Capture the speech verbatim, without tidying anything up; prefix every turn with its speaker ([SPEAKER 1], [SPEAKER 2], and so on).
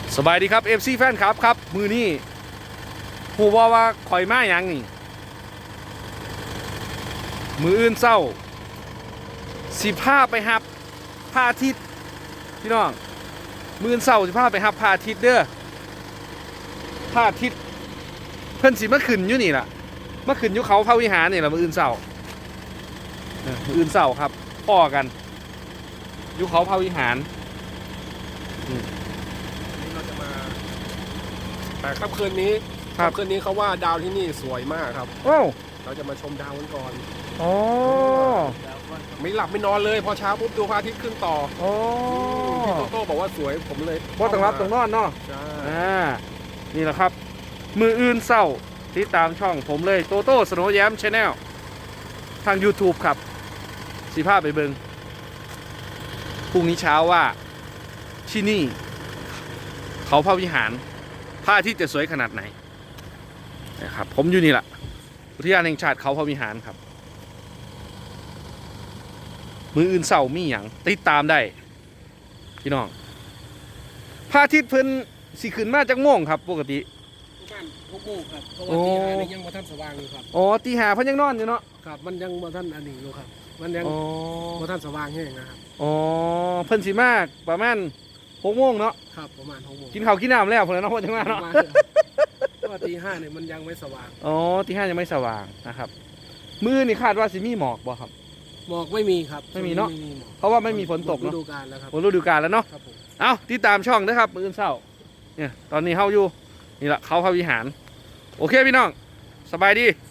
[SPEAKER 1] สบายดีครับ เอฟ ซี แฟนครับครับมือนี้หูว่าว่าข่อยมาอย่างนี่มืออื่นเศร้าสิผ้าไปหับพระอาทิตย์พี่น้องมืออื่นเศร้าสิผ้าไปหับพระอาทิตย์เด้อพระอาทิตย์เพิ่นสิมาขึ้นอยู่นี่ล่ะมาขึ้นอยู่เขาพระวิหารนี่ล่ะมืออื่นเศร้ามืออื่นเศร้าครับพ่อกันอยู่เขาพระวิหาร
[SPEAKER 2] เราจะมาแต่ค่ำคืนนี้ค่ำคืนนี้เขาว่าดาวที่นี่สวยมากครับ
[SPEAKER 1] โอ้
[SPEAKER 2] เราจะมาชมดาวกันก่อน
[SPEAKER 1] โอ้
[SPEAKER 2] ไม่หลับไม่นอนเลยพอเช้าปุ๊บดูพระอาทิตย์ขึ้นต่อ
[SPEAKER 1] โอ้
[SPEAKER 2] พี่โตโต้บอกว่าสวยผมเลย
[SPEAKER 1] พอต้องรับต้องนอนเนาะ
[SPEAKER 2] ใช่
[SPEAKER 1] อ่านี่แหละครับมืออื่นเศร้าติดตามช่องผมเลยโตโต้สโนว์แย้มชาแนลทาง YouTube ครับสีภาพไปเบิงพรุ่งนี้เช้าว่าที่นี่เขาพระวิหารพระอาทิตย์จะสวยขนาดไหนนะครับผมอยู่นี่แหละอุทยานแห่งชาติเขาพระวิหารครับมืออื่นเศร้ามีอย่างติดตามได้พี่น้องพระอาทิตย์เพิ่นสิขึ้นมาจากโมงครับปกติ
[SPEAKER 2] ประมาณหกโมงครับเพราะว่าตีห้านี่ยังมาท่านสว่างอยู่ครับ
[SPEAKER 1] อ๋อตีห้าเพิ่นยังนอนอยู่เนาะ
[SPEAKER 2] ครับมันยังมาท่านอันนี้อยู่ครับมันยังมาท่านสว่างแห้งนะครับ
[SPEAKER 1] อ๋อเพิ่นสิมากประมาณหกโมงเนาะ
[SPEAKER 2] ครับประมาณหกโมง
[SPEAKER 1] กินข้าวกินน้ำแล้วเพิ่นเนาะเพิ่นจังมาเนาะ
[SPEAKER 2] เพราะว่าตีห้าเนี่ยมันยังไม่สว่าง
[SPEAKER 1] อ๋อตีห้ายังไม่สว่างนะครับมื้อนี่คาดว่าสิมีหมอกบ่ครับ
[SPEAKER 2] หมอกไม่มีครับ
[SPEAKER 1] ไม่มีเนาะเพราะว่าไม่มีฝนตก
[SPEAKER 2] เนาะฤ
[SPEAKER 1] ดู
[SPEAKER 2] กาลแล้วครับ
[SPEAKER 1] ฝนฤดูกาลแล้วเนาะเอ้าติดตามช่องนะครับมื้อเช้าเนี่ยตอนนี้เฮาอยู่นี่แหละเขาพระวิหารโอเคพี่น้องสบายดี